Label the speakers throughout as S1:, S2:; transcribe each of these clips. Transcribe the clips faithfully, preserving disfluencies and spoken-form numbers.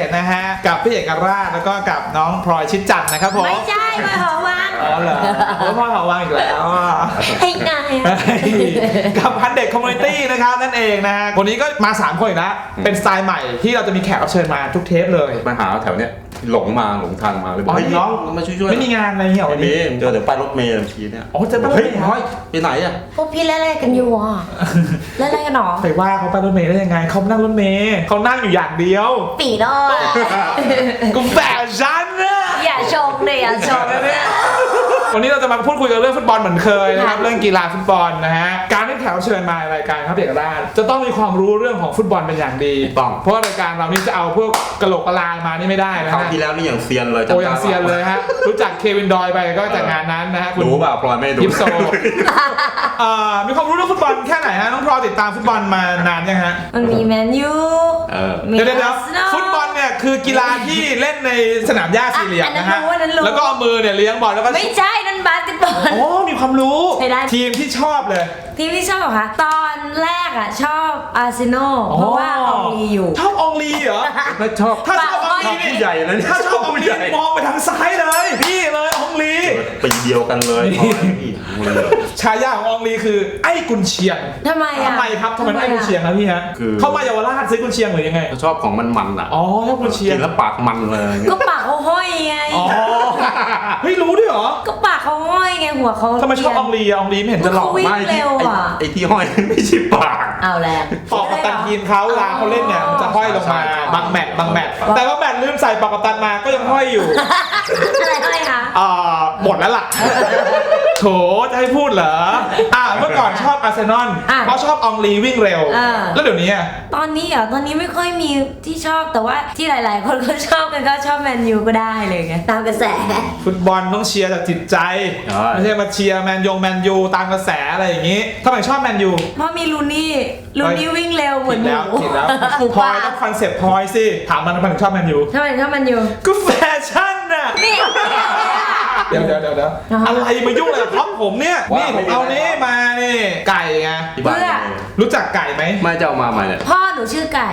S1: ตนะฮะกับพี่เอกราชแล้วก็กับน้องพลอยชิดจันทร์นะครับผม
S2: ไม่ใช่พลอยหอวัง
S1: อ๋อเหรอพ่อหอวังอีกแล้ว
S2: ไอ้นาย
S1: กับพันเด็กคอมมูนิตี้นะครับนั่นเองนะฮะวันนี้ก็มาสามคนอีกแล้วเป็นสไตล์ใหม่ที่เราจะมีแขกรับเชิญมาทุกเทปเลย
S3: มาหาแถวเนี้ยหลงมาหลงทางมาเลยบอก
S1: อ๋อ
S3: เฮ้ยน้องมาช่วยๆ
S1: ไม่มีงานอะไรเงี้ย
S3: ไม่
S1: วัน
S3: มี
S1: นี้
S3: เจอเดี๋ยวป้ายรถเมล์เมื่อกี้เนี่ย
S1: อ๋อเจอป้ายรถ
S3: เฮ้ย
S1: เมล์
S3: น้อยไปไหนอ่ะ
S2: พวกพี่เล่นอะไรกันอยู่อ่ะเล่นอะไรกันหรอ
S1: ไปว่าเขาไปรถเมล์ได้ยังไงเขานั่งรถเมล์เขานั่งอยู่อย่างเดียว
S2: ปีโน่
S1: กูแฝงฉันนะ
S2: อย่าชมเลยอย่าชมเลย
S1: วันนี้เราจะมาพูดคุยกันเรื่องฟุตบอลเหมือนเคยนะครับเรื่องกีฬาฟุตบอลนะฮะการที่แขกรับเชิญมารายการครับเอกราชจะต้องมีความรู้เรื่องของฟุตบอลเป็นอย่างดีต้องเพราะรายการเรานี่จะเอาพวกกะโหลกกะลามานี่ไม่ได้นะ
S3: คราว
S1: ฮะ
S3: ที่แล้วนี่อย่างเซียนเลย
S1: โอ้ยังเซียนเลยฮะรู้จักเควินดอยไปก็จากงานนั้นนะฮะคุณ
S3: รู้เปล่าพลอยไม่ดู
S1: ยิปโซมีความรู้เรื่องฟุตบอลแค่ไหนฮะน้องพลอยติดตามฟุตบอลมานานยังฮะ
S2: มันมีแมนยู
S1: เดี๋ยวเดี๋ยวฟุตบอลเนี่ยคือกีฬาที่เล่นในสนามหญ้าสี่เหลี่ยมนะฮะแล้วก็เอามือเนี่ยเลี้ยงบอลแล้วก็
S2: ไม่ใช่นั่นบาสเกตบอล
S1: โอ้มีความรู้ทีมที่ชอบเลย
S2: ทีมที่ชอบเหรอคะตอนแรกอ่ะชอบอาร์เซนอลเพราะว่าอองลีอยู่
S1: ชอบอองลีเหรอ
S3: ไม่ชอบ
S1: ถ้าชอบอองลีนี่
S3: ใหญ่เลย
S1: ถ้าชอบอองลีมองไปทางซ้ายเลยพี่เลยอองลี
S3: ปีเดียวกันเลย
S1: ฉายาของอองลีคือไอ้กุนเชียง
S2: ทำไมอ่ะ
S1: ทำไมครับทำไมไอ้กุนเชียงครับพี่ฮะเข้ามาเยาวราชซื้อกุนเชียงหรือยังไง
S3: ชอบของมันมันอ่ะ
S1: อ๋อชอบกุนเชียง
S3: กินแล้วปากมันเลย
S2: ก็ปากเขาห้อยไง
S1: อ๋อเฮ้ยรู้ด้วยเหรอ
S2: ก็ปากเขาห้อยไงหัวเขา
S1: ทำไมชอบอองลีอองลีไม่เห็นจะหล่อ
S2: ไม่เร็วอ่ะ
S3: ไอ้ที่ห้อยไม่ใช่ปาก
S2: เอาแล้ว
S1: ปอกกัปตันทีมเขาเวลาเขาเล่นเนี่ยมันจะห้อยลงมาบางแมตช์บางแมตช์แต่ว่าแมตช์ลืมใส่ปอกกัปตันมาก็ยังห้อยอยู่
S2: อะไรห้อยคะ
S1: อ่าหมดแล้วล่ะโถจะให้พูดเหรออ่าเมื่อก่อนชอบอาร์เซนอลเพราะชอบอองลีวิ่งเร็วแล้วเดี๋ยวนี้
S2: ตอนนี้อ่ะตอนนี้ไม่ค่อยมีที่ชอบแต่ว่าที่หลายๆคนก็ชอบกันก็ชอบแมนยูก็ได้เลยไงตามกระแส
S1: ฟุตบอลต้องเชียร์จากจิตใจไม่ใช่มาเชียร์แมนยงแมนยูตามกระแสอะไรอย่างงี้ทำไมชอบแมนยู
S2: เพราะมีลูนี่ลูนี่วิ่งเร็วเหมือนห
S1: มูผิดแล้วพลอยต้องคอนเซ็ปต์พลอยสิถามมันทำไมชอบแมนยู
S2: ทำไมชอบแมนยู
S1: ก็แฟชั่นน่ะเดี๋ยวเดี๋ยวเดี๋ยวอะไรมายุ่งอะไรกับท็อปผมเนี่ยนี่ผมเอานี้มานี่ไก่ไง
S2: เพื่อ
S1: รู้จักไก่ไหม
S3: ไม่จะเอามาใหม่เนี่ย
S2: พ่อหนูชื่อไก่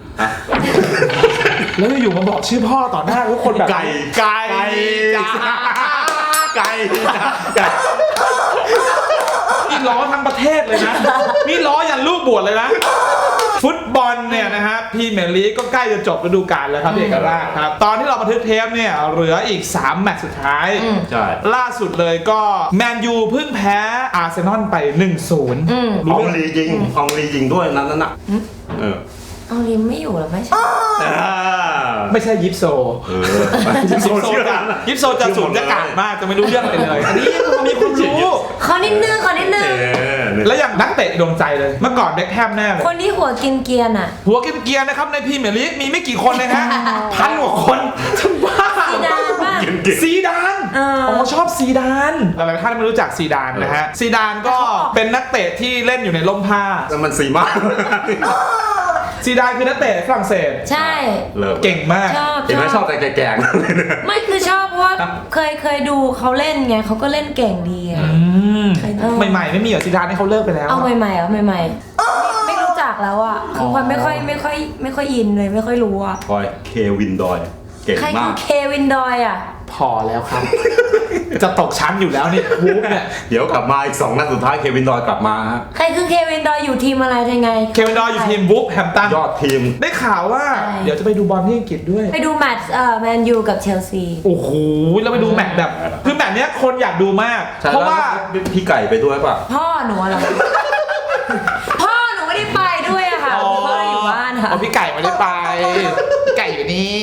S1: แล้วอยู่มาบอกชื่อพ่อต่อหน้าทุกคนแบบ
S3: ไก่
S1: ไก่
S3: จ้าไก่ไก่
S1: นี่ล้อทั้งประเทศเลยนะนี่ล้อยันลูกบวชเลยนะฟุตบอลเนี่ยนะฮะพรีเมียร์ลีกก็ใกล้จะจบฤดูกาลแล้วครับพี่เอกราชครับตอนที่เราบันทึกเทปเนี่ยเหลืออีกสามแมตช์สุดท้าย
S3: ใช่
S1: ล่าสุดเลยก็แมนยูเพิ่งแพ้อาร์เซนอลไป หนึ่งศูนย์
S3: อองลียิงอองลียิงด้วยนั้นน่ะเออ
S2: อองลีไม่อยู่หรอไม่ใช่
S1: ไม่ใช่ยิปโซยิปโซจะยิปโซจะสูงจะกาดมากจะไม่รู้เรื่องอะไรเลยอันนี้มันมีความรู้
S2: ขอนิดนึงขอนิดนึง
S1: แล้วอย่างนักเตะดวงใจเลยเมื่อก่อนเบ็คแฮมแน่เลย
S2: คนที่หัวกินเกียร์น่ะ
S1: หัวกินเกียร์นะครับในพรีเมียร์ลีกมีไม่กี่คนเลยฮะพันกว่าคนจะบ้า
S2: ซีดานป่ะ
S1: ซีดานอ๋อชอบซีดานหลายท่านไม่รู้จักซีดานนะฮะซีดานก็เป็นนักเตะที่เล่นอยู่ในร่มผ้า
S3: แล้วมันสีมาก
S1: ซีดานคือนักเตะฝรั่งเศส
S2: ใช่
S1: เก่งมาก
S3: เห็นไหมชอบแต่แก่
S2: ๆไม่คือชอบเพราะว่าเคยเคยดูเขาเล่นไงเขาก็เล่นเก่งดี
S1: ใหม่ๆไม่มีเหรอซีดานนี่เขาเลิกไปแล้ว
S2: เอาใหม่ๆเหรอใหม่ๆไม่รู้จักแล้วอ่ะคือความไม่ค่อยไม่ค่อยไม่ค่อยอินเลยไม่ค่อยรู้อ่ะ
S3: คอยเควินดอยเก่งมาก
S2: ใครคือเควินดอยอ่ะ
S1: พอแล้วครับจะตกชั้นอยู่แล้วนี่วูฟเนี่ย
S3: เดี๋ยวกลับมาอีกสองนัดสุดท้ายเควินดอยกลับมาฮะ
S2: ใครคือเควินดอยอยู่ทีมอะไรยังไง
S1: เควินดอยอยู่ทีมวูฟแฮมตัน
S3: ยอดทีม
S1: ได้ข่าวว่าเดี๋ยวจะไปดูบอลที่อังกฤษด้วย
S2: ไปดูแมตช์เอ่อแมนยูกับเชลซี
S1: โอ้โหแล้วไปดูแมตช์แบบคือแมตช์เนี้ยคนอยากดูมากเพราะว่า
S3: พี่ไก่ไปด้วยป่ะ
S2: พ่อหนูเหรอพ่อหนูไม่ได้ไปด้วยอะค่ะพ่ออยู่บ้านค่ะ
S1: อ๋อพี่ไก่ไม่ได้ไปไก่อยู่นี่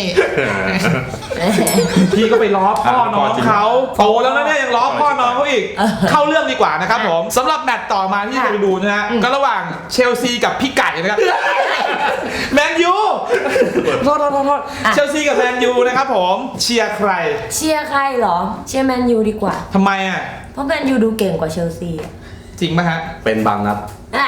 S1: พี่ก็ไปล้อพ่อน้องเขาโตแล้วนะเนี่ยยังล้อพ่อน้องเขาอีกเข้าเรื่องดีกว่านะครับผมสำหรับแมตช์ต่อมาที่จะไปดูนะฮะก็ระหว่างเชลซีกับพี่ไก่นะครับแมนยูโทษโทษโทษเชลซีกับแมนยูนะครับผมเชียร์ใคร
S2: เชียร์ใครเหรอเชียร์แมนยูดีกว่า
S1: ทำไมอ่ะ
S2: เพราะแมนยูดูเก่งกว่าเชลซี
S1: จริงไหมฮะ
S3: เป็นบางนัด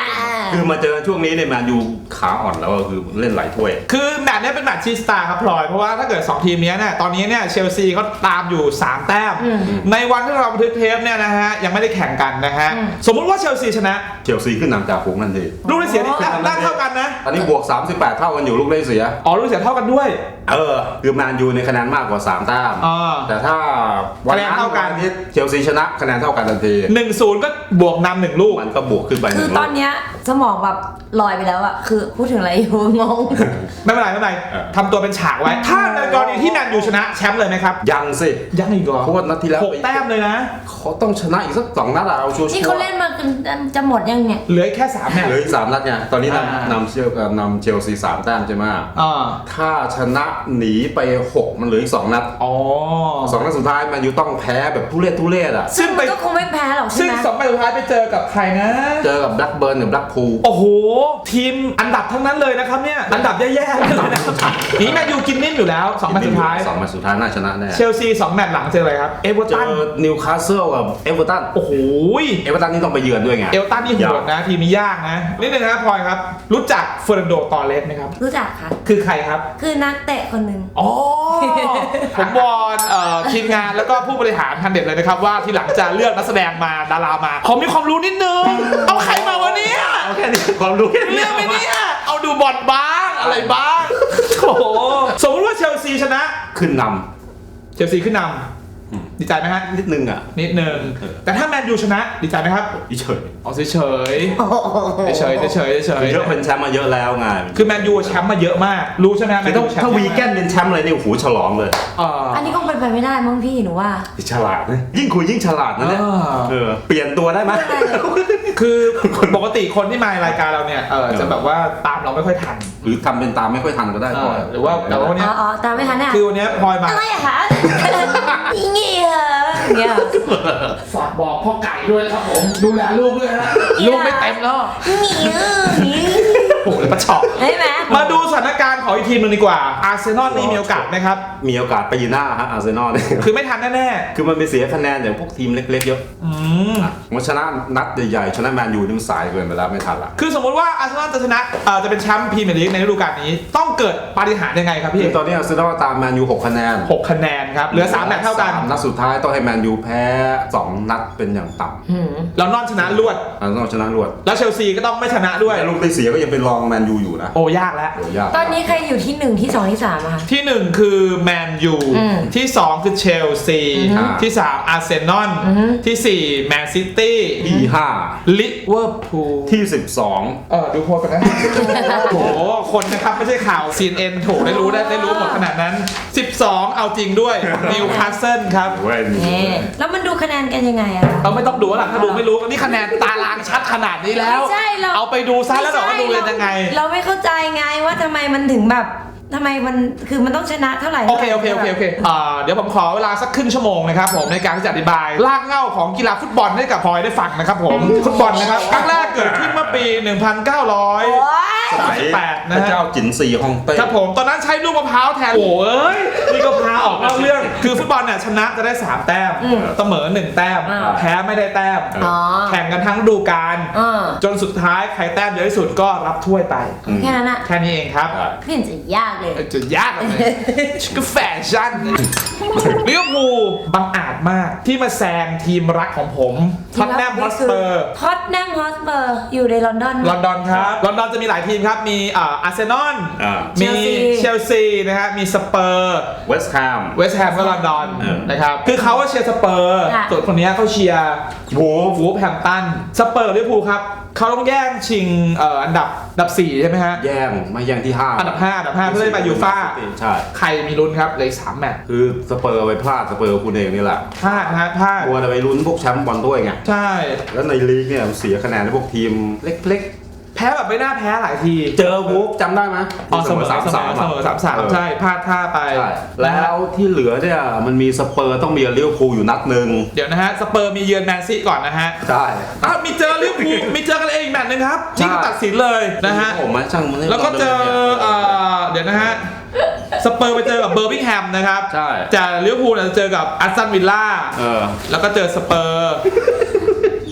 S3: คือมาเจอช่วงนี้เนี่ยแมนยูขาอ่อนแล้วก็คือเล่นหลายถ้วย
S1: คือแมตช์เนี้ยเป็นแมตช์ชีสตาร์ครับพลอยเพราะว่าถ้าเกิดสองทีมเนี้ยเนี่ยตอนนี้เนี่ยเชลซีเขาตามอยู่สามแต้มในวันที่เราบันทึกเทปเนี่ยนะฮะยังไม่ได้แข่งกันนะฮะสมมุติว่าเชลซีชนะ
S3: เชลซีขึ้นนำจากฝูงทันที
S1: ลูกได้เสียนี่แต้มเท่ากันนะ
S3: อันนี้บวกสามสิบแปดเท่ากันอยู่ลูกได้เสีย
S1: อ๋อลูกเสียเท่ากันด้วย
S3: เออคือแมนยูในคะแนนมากกว่าสามแต้ม
S1: อ่า
S3: แต่ถ้าวันนั้น
S1: คะแนนเท่ากัน
S3: วัที่เชลซีชนะคะแนนเท่ากันทันที
S1: หนึ่งศูนย์ก็บวกนำหนึ่งลูก
S3: มันก็บวกขึ้นไปห
S2: คื
S3: นึ่
S2: อง ต
S3: ลู
S2: อน
S3: ก
S2: เนี้ยสมองแบบลอยไปแล้วอะคือพูดถึงอะไรอยู่งง
S1: ไม่เป็นไรไม่เป็นไร
S3: เออ
S1: ทำตัวเป็นฉากไว้ ถ้าในกรณีที่แมนยูชนะแชมป์เลยไหมครับ
S3: ยังสิ
S1: ยังอีกเหรอ
S3: เพราะว่านัดที่แล้ว
S1: หกแต้มเลยนะ
S3: เขาต้องชนะอีกสักสองนัดอะเอาชัวร์ๆ
S2: นี่เขาเล่นมากันจะหมดยังเนี่ย
S1: เหลือแค่สามแมตช์
S3: เหลืออีกสามนัดไงตอนนี้
S1: อ่า
S3: นำนำเชลนำเชลซีสามแต้มใช่ไหม
S1: อ่า
S3: ถ้าชนะหนีไปหกมันเหลืออีกสองนัด
S1: อ๋อ
S3: สองนัดสุดท้ายแมนยูต้องแพ้แบบทุเรศทุเรศอะ
S1: ซึ่
S2: ซึ่
S1: ง
S2: ง
S1: ไป
S2: มันก็คงไม่แพ้หรอกใช่
S1: ซึ่ง
S2: ไหม
S1: สองแมตช์สุดท้ายไปเจอกับใครนะ
S3: เจอกับแบล็กเบิร์นกับแบล็กพูล
S1: โอ้โห ทีมอันดับทั้งนั้นเลยนะครับเนี่ย อันดับแย่ๆเลยนะครับนี่แมนยูกินนิ่มอยู่แล้วสองแมตช์สุดท้าย
S3: สองแมตช์สุดท้ายน่าชนะแน่
S1: เชลซีสองแมตช์หลังเจออะไรครับ เอเวอร์
S3: เจ
S1: ตัน
S3: อนิวคาสเซิลกับเอเวอร์ตัน
S1: โอ้โห
S3: เอเวอร์ตันนี่ต้องไปเยือนด้วยไง
S1: เอเวอร์ตันนี่โหดนะ ทีมนี้ยากนะนิดนึงนะครับพลอยครับ รู้จักเฟอร์นันโดตอร์เรสไหมครับ
S2: รู้จักค่ะ
S1: คือใครครับ
S2: คือนักเตะคนหนึ่ง
S1: อ๋อ ผมวอนเอ่อทีมงานแล้วก็ผู้บริหารทันเด็ดเลยนะครับว่าทีหลังจะเลือกนักแสดงมาดารามาผมมีความรู้นิดนึง เอาใครมาวะเนี่ย
S3: เอาแค่นี้ความรู้แค่นี้
S1: เรื่องไหมเนี่ยเอาดูบอลบ้างอะไรบ้างโอ้โหสมมติว่าเชลซีชนะ
S3: ขึ้นน
S1: เชลซีขึ้นน
S3: อืม
S1: ำดีใจไหมฮะ
S3: ำนิดนึงอ่ะ
S1: นิดนึงแต่ถ้าแมนยูชนะดีใจไหมครับ
S3: เฉย
S1: เอาเฉยเฉยเฉยเฉยเฉย
S3: เยอะเป็นแชมป์มาเยอะแล้วไง
S1: คือแมนยูแชมป์มาเยอะมากรู้ใช่ไหมแม
S3: คือน
S1: ยู
S3: ถ้า
S1: แชมป์
S3: ถ้าวีแกนเป็นแชมป์อะไรนี่โอ้โหฉลองเลย
S1: เอ่อ
S2: อันนี้คงเป็นไปไม่ได้มั้งพี่หนูว่า
S3: ฉลาดนะยิ่งคุยยิ่งฉลาดนะเนี่ย
S1: อ่า
S3: เออเปลี่ยนตัวได้ไหม
S1: คือปกติคนที่มารายการเราเนี่ยเออจะแบบว่าตามเราไม่ค่อยทัน
S3: หรือทำเป็นตามไม่ค่อยทันก็ได้
S1: เอ
S3: ก่อ
S1: อน หรือว่าแต่ว่าวัน
S2: อ๋
S1: เนี้
S2: อย อ๋อตามไม่ทันอ่ะ
S1: คือวันเนี้ยพลอยมา
S2: อะไรอะคะอีเงี้ยอย่างเงี้ย
S1: ฝากบอกพ่อไก่ด้วยนะครับผมดูแลลูกด้วยนะลูกไม่เต็มแล้ว
S2: เงี้ยเงี้ย
S1: โอ้โหประชอบ
S2: ใช่ไหม
S1: มาดูสถานการณ์ของอีกทีมหนึงดีกว่าอาร์เซนอลนี่มีโอกาสไหมครับ
S3: มีโอกาสไปยืนหน้าฮะอาร์เซนอลเนี่ย
S1: คือไม่ทันแน่
S3: คือมันไปเสียคะแนนอย่างพวกทีมเล็กๆเยอะ
S1: ๆอืม
S3: มันชนะนัดใหญ่ๆชนะแมนยูนี่มันสายเกินไปแล้วไม่ทันละ
S1: คือสมมติว่าอาร์เซนอลจะชนะเอ่อจะเป็นแชมป์พรีเมียร์ลีกในฤดูกาลนี้ ต้องเกิดปาฏิหาริย์ยังไงครับพี่
S3: คือตอนนี้อาร์เซนอลตามแมนยูหกคะแนน
S1: หกคะแนนครับเหลือสามแมตช์เท่ากัน
S3: สมนัดสุดท้ายต้องให้แมนยูแพ้สองนัดเป็นอย่างต่ำ
S2: หืม
S1: แล้วนอนชนะรวด
S3: อาร์เซนอลชนะรวด
S1: แล้วเชลซีก็ต้องไม่ชนะด้วย
S3: แต่ลูกได้เสียก็ยังเป็นรองแมนยูอยู่นะ
S1: โอ้ยากแล้ว
S3: โอ้ยาก
S2: ตอนนี้ใครอยู่ที่หนึ่งที่สองที่สามอะคะ
S1: ที่หนึ่งคือแมนยู
S2: อืม
S1: ที่สองคือเชลซี
S3: อืม
S1: ที่สามอาร์เซนอล
S2: อืม
S1: ที่สี่แมนซิตี้
S3: ที่ห้า
S1: ลิเวอร์พูล
S3: ที่สิบสอง
S1: เออดูโพสกันนะ โอ้โหคนนะครับไม่ใช่ข่าว ซี เอ็น เอ็น ถูกได้รู้ได้ได้รู้หมดขนาดนั้น สิบสอง เอาจริงด้วยนิวคาสเซิลครับ
S3: เว้ย
S2: เอ๊ะแล้วมันดูคะแนนกันยังไงอะ
S1: เราไม่ต้องดูหรอกถ้าดูไม่รู้นี่คะแนนตารางชัดขนาดนี้แล้ว
S2: ไม่ใช่เรา
S1: เอาไปดูซะแล้วบอกว่าดูเป็นยังไง
S2: เราไม่เข้าใจไงว่าทำไมมันถึงแบบทำไมมันคือมันต้องชนะเท่าไหร่
S1: โอเคโอเคโอเคโอเคอ่าเดี๋ยวผมขอเวลาสักครึ่งชั่วโมงนะครับผมในการที่จะอธิบายรากเหง้าของกีฬาฟุตบอลให้กับพลอยได้ฟังนะครับผมฟุตบอลนะครับครั้งแรกเกิดขึ้นเมื่อปี หนึ่งพันเก้าร้อย
S2: โอ๊ย
S1: สามสิบแปด
S3: พ
S1: นะ
S3: ระ
S1: ฮะ
S3: เจ้าจินซีฮ่องเต้
S1: ครับผมตอนนั้นใช้ลูกมะพร้าวแทนโอ้ยนี่ก็พาออกนอกเรื่องคือฟุตบอลเนี่ยชนะจะได้สามแต้มเสมอหนึ่งแต้ม
S2: อ่า
S1: แพ้ไม่ได้แต้ม
S2: อ๋อ
S1: แข่งกันทั้งฤดูกาล
S2: อ่า
S1: จนสุดท้ายใครแต้มเยอะที่สุดก็รับถ้วยไป
S2: แค่นั้นอะ
S1: แค่นี้เองครับ
S2: ไม่เห็นจะยากเลย
S1: จะยากเลยก็แฟชั่นลิเวอร์พูลบังอาจมากที่มาแซงทีมรักของผมท็อตแนมฮอสเปอร์
S2: ท็อตแนมฮอสเปอร์อยู่ในลอนดอน
S1: ลอนดอนครับลอนดอนจะมีหลายทีมครับมีอ่าอาร์เซนอล
S3: อ่า
S1: มีเชลซีนะฮะมีสเปอร์
S3: เวสต์แฮม
S1: เวสต์แฮมก็ลอนดอน
S3: เออ
S1: นะครับคือเขาว่าเชียร์สเปอร์
S2: ค่ะ
S1: ส่วนคนนี้เขาเชียร์
S3: โว้
S1: วูฟแฮมตันสเปอร์ลิเวอร์พูลครับเขาต้องแย่งชิงเอ่ออันดับอันดับสี่ใช่ไหมฮะ
S3: แย่งไม่แย่งที่ห้า
S1: อันดับห้าอันดับห้าเพื่อได้ไปยูฟ่า
S3: ใช่
S1: ใครมีลุ้นครับเหลยสามแมตช์
S3: คือสเปอร์ไปพลาดสเปอร์คุณเองนี่แหละ
S1: พลาดนะฮะพลาด
S3: กลัวจะไปลุ้นพวกแชมป์บอลถ้วยไง
S1: ใช่
S3: แล้วในลีกเนี่ยเสียคะแนนให้พวกทีมเล็ก
S1: แพ้แบบไม่น่าแพ้หลายที
S3: ๆ เจอวูฟจำได้ไหม
S1: อ๋อเสมอสามสามเสมอสามสามใช่พลาดท่าไป
S3: ใช่แล้วที่เหลือเนี่ยมันมีสเปอร์ต้องมีลิเวอร์พูลอยู่นัดหนึ่ง
S1: เดี๋ยวนะฮะสเปอร์มีเยือนแมนซีก่อนนะฮะ
S3: ใช่
S1: อ้าวมีเจอลิเวอร์พูลมีเจอกันเองอีกแมตช์หนึงครับนี่ก็ตัดสินเลยนะฮะ
S3: ผมมาช่างมันให้
S1: แล้วก็เจอเอ่อเดี๋ยวนะฮะสเปอร์ไปเจอกับเบอร์มิงแฮมนะครับ
S3: ใช่
S1: จากลิเวอร์พูลเนี่ยจะเจอกับอัสตันวิลล่า
S3: เออ
S1: แล้วก็เจอสเปอร์ กล้องช่วยดู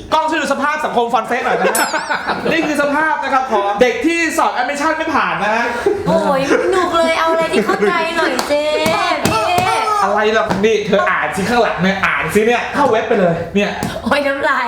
S1: สภาพสังคมฟันเฟสหน่อยนะฮะ นี่คือสภาพนะครับของเด็กที่สอบแอดมิชชั่นไม่ผ่านนะฮะ
S2: โอ้ยหนุกเลยเอาอะไรที่เข้าใจหน่อยเจ๊พี่
S1: อะไรล่ะนี่เธออ่านสิข้างหลังเนี่ยอ่านสิเนี่ยเข้าเว็บไปเลยเนี่ย
S2: โอ้ยน้ำลาย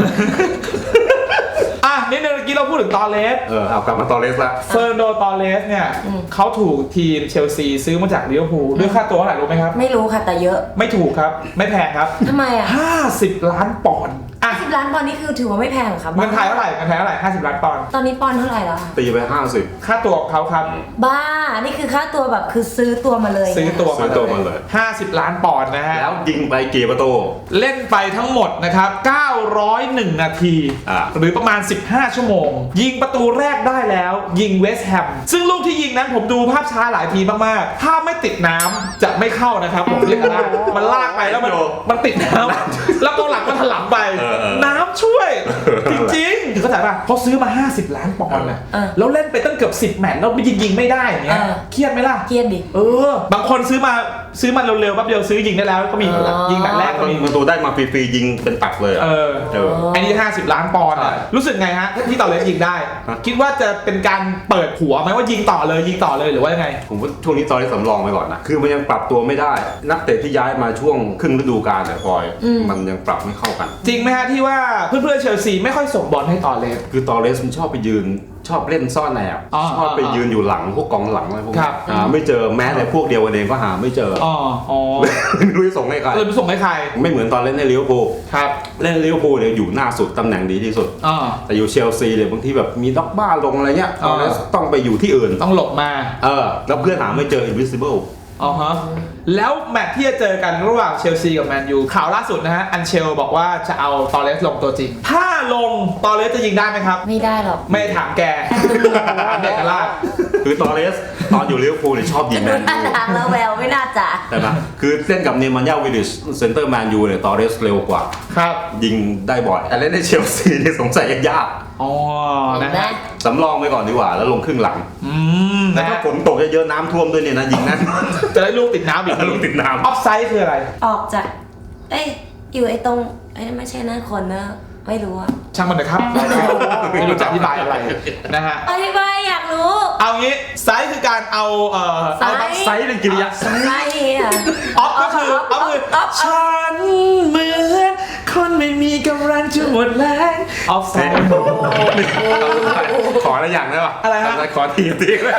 S1: อ่ะนิดนึงเมื่อกี้เราพูดถึงตอเลส
S3: เออเอากลับมาตอเลสละ
S1: เฟอร์นันโดตอเลสเนี่ยเขาถูกทีมเชลซีซื้อมาจากลิเวอร์พูลด้วยค่าตัวเท่าไหร่รู้ไหมครับ
S2: ไม่รู้ค่ะแต่เยอะ
S1: ไม่ถูกครับไม่แพงครับ
S2: ทำไมอ่ะ
S1: ห้าสิบล้านปอนด์อ่ะ
S2: สิบล้านปอนด์นี่คือถือว่าไม่แพงเหรอครับ
S1: เงินไทยเท่าไหร่เงินไทยเท่าไหร่ห้าสิบล้านปอนด์
S2: ตอนนี้ปอนด์เท่าไหร่แล้วอะ
S3: ตีไปห้าสิบ
S1: ค่าตัวของเขาครับ
S2: บ้า นี่คือค่าตัวแบบคือซื้อตัวมาเลย
S1: ซื้อตัว
S3: ซื้อตัวมาเลย
S1: ห้าสิบล้านปอนด์นะฮะ
S3: แล้วยิงไปกี่ประตู
S1: เล่นไปทั้งหมดนะครับเก้าร้อยเอ็ดนาที
S3: อ่า
S1: หรือประมาณสิบห้าชั่วโมง ยิงประตูแรกได้แล้วยิงเวสต์แฮมซึ่งลูกที่ยิงนั้นผมดูภาพช้าหลายทีมากๆถ้าไม่ติดน้ำจะไม่เข้านะครับผมเรียกได้มันลากไปแล้วมันมันติดน้ำแล้วกองหลังมันถลำไป
S3: เออเออ
S1: น้ำช่วย จริงๆเข้าใจป่ะเขาซื้อมาห้าสิบล้านปอนด์นะ
S2: เออ
S1: แล้วเล่นไปตั้งเกือบสิบแมตช์แล้วยิงยิงไม่ได้อย่างเงี้ย
S2: เออ
S1: เครียดไหมล่ะ
S2: เครียดดิ
S1: เออบางคนซื้อมาซื้อมาเร็วๆแป๊บเดียวซื้อยิงได้แล้วก็มี
S2: อ๋อ
S1: ยิงแมตช์แรกก็มี
S3: ประตูได้มาฟรีๆยิงเป็นตักเลยอะ
S1: เออ
S3: เออ
S1: ไอ้นี่ห้าสิบล้านปอนด์อะ
S3: ใช่
S1: รู้สึกไงฮะที่ต่อเลยยิงได้
S3: ฮะ
S1: คิดว่าจะเป็นการเปิดหัวไหมว่ายิงต่อเลยยิงต่อเลยหรือว่ายังไง
S3: ผมว่าช่วงนี้ตอนนี้สำรองไปก่อนนะ คือมันยังปรับตัวไม่ได้ นักเตะที่ย้ายมาช่วงครึ่งฤดูกาลเนี่ยพลอย
S2: อืม
S3: มันยังปรับไม่เข้ากัน
S1: จริงไหมฮะที่ว่าเพื่อนๆเชลซีไม่ค่อยส่งบอลให้ต่อเลย
S3: คือตอเรสมันชอบไปยืน ชอบเล่นซ่อนแอบ
S1: อ๋อ
S3: ชอบไปยืนอยู่หลังพวกกองหลังอะไรพวก
S1: ครั
S3: นี้
S1: บ
S3: หาไม่เจอแม้แต่พวกเดียวกันเองก็หาไม่เจอ
S1: อ๋ออ๋อ
S3: ไม่รู้จะส่งให้ใคร
S1: เลยไปส่งให้ใคร
S3: ไม่เหมือนตอนเล่นในลิเวอร์พูล
S1: ครับ
S3: เล่นลิเวอร์พูลเนี่ยอยู่หน้าสุดตำแหน่งดีที่สุด
S1: อ๋อ
S3: แต่อยู่เชลซีเนี่ยบางทีแบบมีด็อกบ้าลงอะไรเงี้ย
S1: อ๋
S3: ต
S1: อ
S3: อเรสต้องไปอยู่ที่อื่น
S1: ต้องหลบมา
S3: เออแล้วเพื่อนหาไม่เจอ invisible
S1: อ๋อฮะแล้วแมตช์ที่จะเจอกันระหว่างเชลซีกับแมนยูข่าวล่าสุดนะฮะอันเชลบอกว่าจะเอาตอเรสลงตัวจริง ถ้าลงตอเรสจะยิงได้ไหมครับ
S2: ไม่ได้หรอก
S1: ไม่ถามแกถามเด็กกระลาด
S3: คือตอเรสตอนอยู่ลิเวอร์พูลเนี่ยชอบยิงแม
S2: ดู
S3: น
S2: ท่า
S3: ยู
S2: ทางแล้วแววไม่น่าจะ
S3: ใช่ไหมคือเล่นกับเนมันยาวิลิชเซนเตอร์แมนยูเนี่ยตอเรสเร็วกว่า
S1: ครับ
S3: ยิงได้บ่อย แต่เล่นในเชลซีเนี่ยสงสัยยาก
S1: อ๋อ
S2: เห็
S1: นะ
S2: นไหม
S1: ฮะ
S3: สำรองไปก่อนดีกว่าแล้วลงครึ่งหลัง
S1: อืม
S3: แต่
S1: นะ
S3: ถ้า
S1: ฮะ
S3: ฝนตกเยอะๆน้ำท่วมด้วยเนี่ยนะยิงแน่นอน
S1: จะได้ลูกติดน้ำอีก
S3: ลูกติดน้ำ
S1: ออฟไซด์คืออะไร
S2: ออกจาก เอ้ย อยู่ไอ้ตรงไอ้นั่นไม่ใช่หน้าคนนะ ไม่รู้อะ
S1: ช่างมันนะครับ ไม่รู้จะอธิบายอะไรนะฮะ
S2: อธิบายอยากรู้
S1: เอางี้ไซส์คือการเอาเอ่อ
S2: ไซส์
S1: เอาไซส์เป็นกิริยา
S2: อะไรอ่ะ
S1: ออฟก็คือออฟคือ
S2: ออฟ
S1: ฉันเหมือนคนไม่มีกำลังจะหมดแรงออฟไซด์
S3: ขออะไรอย่างได้ป่ะ
S1: อะไรฮะ
S3: ขอทีทีเลย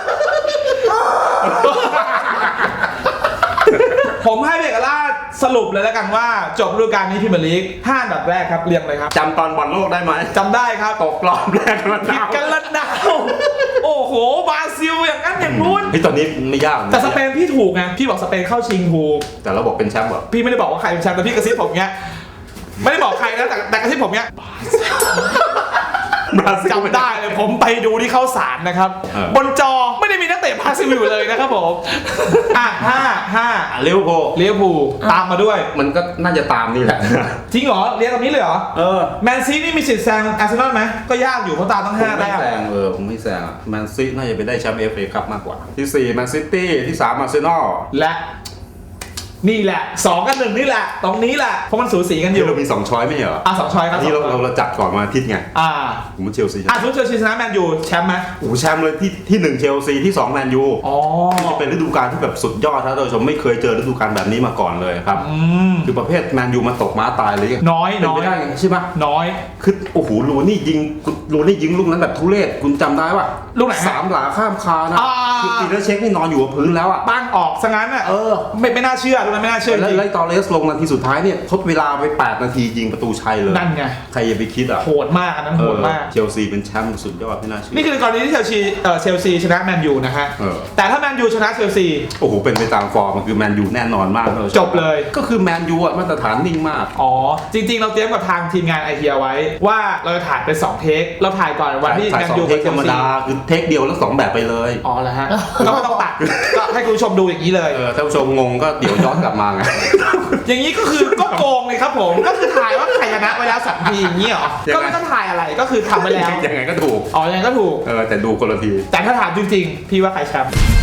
S1: ผมให้เบกล่าสรุปเลยแล้วกันว่าจบฤดูกาลนี้พรีเมียร์ลีกห้าอันดับแรกครับเรียงเลยครับ
S3: จำตอนบอลโลกได้ไหม
S1: จำได้ครับ
S3: ตกรอบแรกกัน
S1: ผิดกันละนาวโอ้โหบราซิลอย่างนั้นอย่างนู้น
S3: เฮ้ยตอนนี้ไม่ยากะ
S1: แต่สเปนพี่ถูกไงพี่บอกสเปนเข้าชิงถูก
S3: แต่เราบอกเป็นแชมป์เหรอ
S1: พี่ไม่ได้บอกว่าใครเป็นแชมป์แต่พี่กระซิบผมเงี้ยไม่ได้บอกใครนะแต่แต่กระซิบผมเงี้ย
S3: บราซิล
S1: จำได้เลยผมไปดูที่เข้าสารนะครับ
S3: เออบ
S1: นจอไม่ได้มีนักเตะบราซิลอยู่เลยนะครับผมอ่ะห้าห้า
S3: ลิเวอร์พูล
S1: ลิเวอร์พูลตามมาด้วย
S3: มันก็น่าจะตามนี่แหละ
S1: จริงเหรอเรียงแบบนี้เลยเหรอ
S3: เออ
S1: แมนซีนี่มีสิทธิ์แซงอาร์เซนอลไหมก็ยากอยู่เพราะตามต้อง
S3: ผม
S1: ห้า
S3: ไม่
S1: แต้ม
S3: แซงเออผมไม่แซงอะแมนซีน่าจะไปได้แชมป์เอฟเอคัพมากกว่า ที่สี่แมนซิตี้ที่สามอาร์เซนอล
S1: และนี่แหละสองกับหนึ่งนี่แหละตรงนี้แหละเพราะมันสูสีกันอ
S3: ที่
S1: ยู่
S3: เรามีสองช้อยไม่เหรอ
S1: อ่ะสองช้อยครับ
S3: อันนี้เรา
S1: สองช้
S3: เรา
S1: อย
S3: เราจัดก่อนมาอาทิตย์ไง
S1: อ่า
S3: ผมว่าเชลซี
S1: อ่ะสมมติเชลซีชนะแมนยูแชมป์ไหม
S3: โอ้โหแชมป์เลยที่ที่หนึ่งเชลซีที่สองแมนยู
S1: อ๋อ
S3: จะเป็นฤดูกาลที่แบบสุดยอดครับท่านผู้ชมไม่เคยเจอฤดูกาลแบบนี้มาก่อนเลยครับ
S1: อืม
S3: คือประเภทแมนยูมันตกม้าตายเลย
S1: น้อย
S3: เป็น
S1: น้อ
S3: ไป
S1: ย
S3: ได้ไงใช่ปะ
S1: น้อย
S3: คือโอ้โหลูนี่ยิงลูนี่ยิงลูกนั้นแบบทุเรศคุณจำได้ปะ
S1: ลูกไหนฮะ
S3: สามหลาข้ามคานะ
S1: อ่า
S3: คือปีเตอร์เช็คนี่นอนอยู่กับพื้นแล้วอะ
S1: บ้านออกซะงั้นอ่ะ
S3: เออ
S1: ไม่ไม่น่าเชื่อตรงนั้นไม่น่าเชื่อจ
S3: แล้ว
S1: ริง
S3: ไล่ตอเลสลงนาทีสุดท้ายเนี่ยทดเวลาไปแปดนาทียิงประตูชัยเลย
S1: นั่นไง
S3: ใครจะไปคิดอ่ะ
S1: โหดมากอันนั้นโหดมาก
S3: เออเชลซีเป็นแชมป์สุดยอดที่น่าเชื่อ
S1: นี่คือกรณีที่เชลซีเอ่อเชลซีชนะแมนยูนะฮะ
S3: เออ
S1: แต่ถ้าแมนยูชนะเชลซี
S3: โอ้โหเป็นไปตามฟอร์มมันคือแมนยูแน่นอนมากท่านผู้ชม
S1: จบเลย
S3: ก็คือแมนยูอะมาตรฐานนิ่งมาก
S1: อ๋อ จริง ๆ เราเตรียมกับทางทีมงานไอเทียไว้ ว่าเราจะถ่ายเป็นสองเทคเราถ่ายก่อนวันที่
S3: ถ่า
S1: แม
S3: ย
S1: น
S3: สอง
S1: ยู
S3: เท
S1: กับ
S3: ค
S1: เช
S3: ธร
S1: ล
S3: รม
S1: ซี
S3: ดาคือเทคเดียวแล้วสองแบบไปเลย
S1: อ๋อแล้วฮะ ก็ไม่ต้องตัดก็ให้คุณผู้ชมดูอย่างนี้เลย
S3: เออท่านผู้ชมงงก็เดี๋ยวย้อนกลับมาไง
S1: อย่างนี้ก็คือก็โกงเลยครับผม ก็คือถ่ายว่าใครชนะไปแล้วสามทีอย่างนี้เหรอ
S3: ยังไง
S1: ก็ไม่ต้องถ่ายอะไรก็คือทำไปแล้ว
S3: ยังไงก็ถูก
S1: อ๋อยังไงก็ถูก
S3: เออแต่ดูคนละที
S1: แต่ถ้าถามจริงๆ พี่ว่าใครแชมป์